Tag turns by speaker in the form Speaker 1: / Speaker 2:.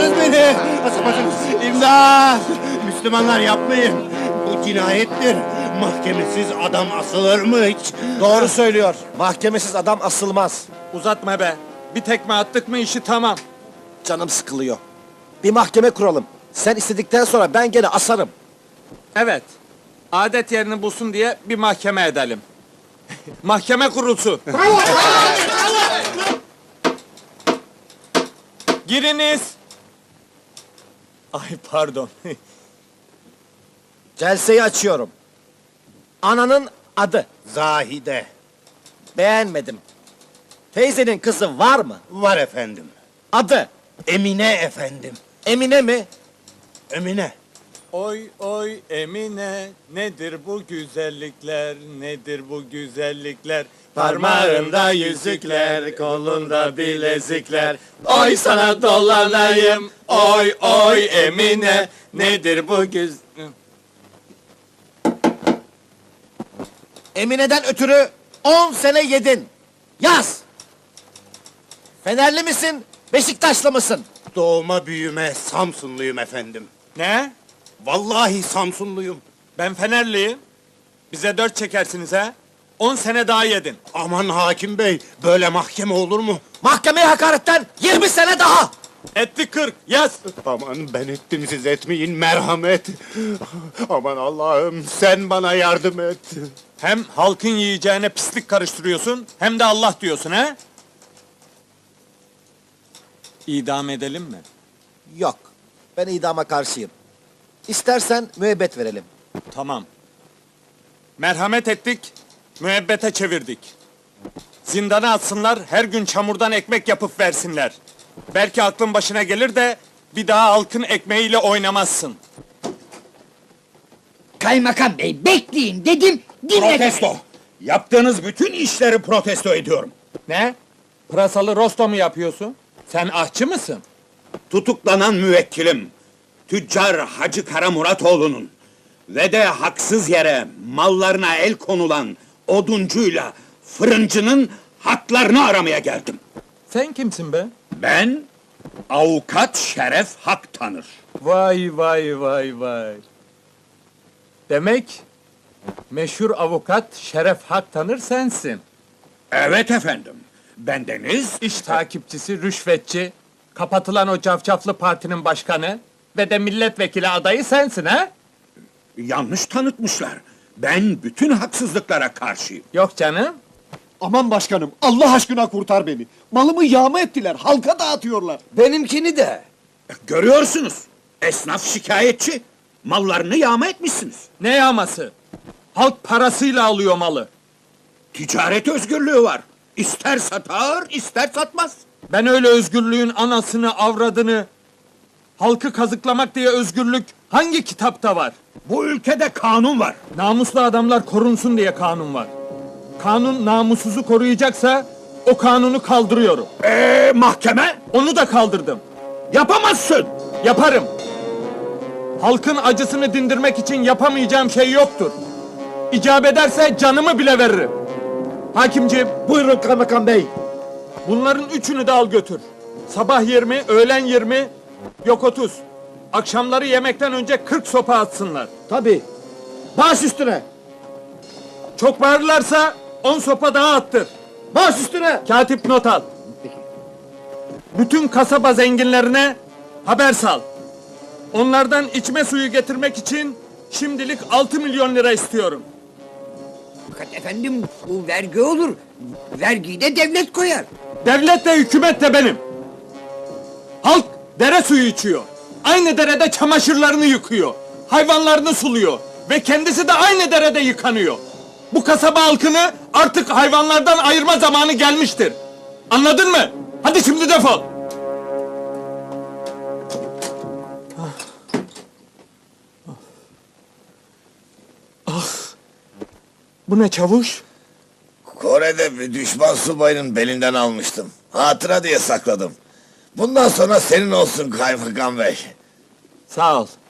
Speaker 1: Asamazsınız beni! Asamazsınız! İmdat! Müslümanlar yapmayın! Bu cinayettir! Mahkemesiz adam asılır mı hiç?
Speaker 2: Doğru söylüyor. Mahkemesiz adam asılmaz.
Speaker 3: Uzatma be. Bir tekme attık mı işi tamam.
Speaker 2: Canım sıkılıyor. Bir mahkeme kuralım. Sen istedikten sonra ben gene asarım.
Speaker 3: Evet. Adet yerini bulsun diye bir mahkeme edelim. Mahkeme kurulsun. Giriniz. Ay pardon.
Speaker 2: Celseyi açıyorum. Ananın adı.
Speaker 1: Zahide.
Speaker 2: Beğenmedim. Teyzenin kızı var mı?
Speaker 1: Var efendim.
Speaker 2: Adı.
Speaker 1: Emine efendim.
Speaker 2: Emine mi?
Speaker 1: Emine.
Speaker 3: Oy oy Emine, nedir bu güzellikler, nedir bu güzellikler? Parmağında yüzükler, kolunda bilezikler. Oy sana dolanayım, oy oy Emine, nedir bu güz...
Speaker 2: Emine'den ötürü 10 sene yedin. Yaz. Fenerli misin? Beşiktaşlı mısın?
Speaker 1: Doğma büyüme Samsunluyum efendim.
Speaker 3: Ne?
Speaker 1: Vallahi Samsunluyum.
Speaker 3: Ben Fenerliyim. Bize 4 çekersiniz ha? 10 sene daha yedin.
Speaker 1: Aman hakim bey, böyle mahkeme olur mu?
Speaker 2: Mahkemeye hakaretten 20 sene daha.
Speaker 3: Etti 40, yaz.
Speaker 1: Aman ben ettim, siz etmeyin, merhamet. Aman Allah'ım, sen bana yardım et.
Speaker 3: Hem halkın yiyeceğine pislik karıştırıyorsun, hem de Allah diyorsun ha? İdam edelim mi?
Speaker 2: Yok. Ben idama karşıyım. İstersen müebbet verelim.
Speaker 3: Tamam. Merhamet ettik, müebbete çevirdik. Zindana atsınlar, her gün çamurdan ekmek yapıp versinler. Belki aklın başına gelir de bir daha halkın ekmeğiyle oynamazsın.
Speaker 4: Kaymakam bey bekleyin dedim, dinle.
Speaker 5: Protesto! Yaptığınız bütün işleri protesto ediyorum.
Speaker 3: Ne? Pırasalı rosto mu yapıyorsun? Sen ahçı mısın?
Speaker 5: Tutuklanan müvekkilim, tüccar Hacı Kara Muratoğlu'nun ve de haksız yere mallarına el konulan oduncuyla fırıncının haklarını aramaya geldim.
Speaker 3: Sen kimsin be?
Speaker 5: Ben, avukat Şeref Hak tanır.
Speaker 3: Vay vay vay vay. Demek meşhur avukat Şeref Hak tanır sensin.
Speaker 5: Evet efendim, bendeniz...
Speaker 3: İş takipçisi, rüşvetçi, kapatılan o cafcaflı partinin başkanı ve de milletvekili adayı sensin ha?
Speaker 5: Yanlış tanıtmışlar. Ben bütün haksızlıklara karşıyım.
Speaker 3: Yok canım.
Speaker 6: Aman başkanım, Allah aşkına kurtar beni. Malımı yağma ettiler, halka dağıtıyorlar.
Speaker 4: Benimkini de.
Speaker 5: Görüyorsunuz, esnaf şikayetçi. Mallarını yağma etmişsiniz.
Speaker 3: Ne yağması? Halk parasıyla alıyor malı.
Speaker 5: Ticaret özgürlüğü var. İster satar, ister satmaz.
Speaker 3: Ben öyle özgürlüğün anasını, avradını, halkı kazıklamak diye özgürlük hangi kitapta var?
Speaker 5: Bu ülkede kanun var.
Speaker 3: Namuslu adamlar korunsun diye kanun var. Kanun namussuzu koruyacaksa o kanunu kaldırıyorum.
Speaker 5: Mahkeme?
Speaker 3: Onu da kaldırdım.
Speaker 5: Yapamazsın.
Speaker 3: Yaparım. Halkın acısını dindirmek için yapamayacağım şey yoktur. İcap ederse canımı bile veririm. Hakimciğim,
Speaker 2: Buyurun kaymakam bey.
Speaker 3: bunların üçünü de al götür. Sabah 20, öğlen 20, yok 30. Akşamları yemekten önce 40 sopa atsınlar.
Speaker 2: Tabii. Baş üstüne.
Speaker 3: Çok bağırırlarsa 10 sopa daha attır.
Speaker 2: Baş üstüne.
Speaker 3: Katip not al. Bütün kasaba zenginlerine haber sal. Onlardan içme suyu getirmek için şimdilik 6 milyon lira istiyorum.
Speaker 4: Fakat efendim bu vergi olur. Vergiyi de devlet koyar.
Speaker 3: Devlet de hükümet de benim. Halk dere suyu içiyor. Aynı derede çamaşırlarını yıkıyor. Hayvanlarını suluyor. Ve kendisi de aynı derede yıkanıyor. Bu kasaba halkını artık hayvanlardan ayırma zamanı gelmiştir. Anladın mı? Hadi şimdi defol. Bu ne çavuş?
Speaker 7: Kore'de bir düşman subayının belinden almıştım. Hatıra diye sakladım. Bundan sonra senin olsun kaymakam bey.
Speaker 3: Sağ ol.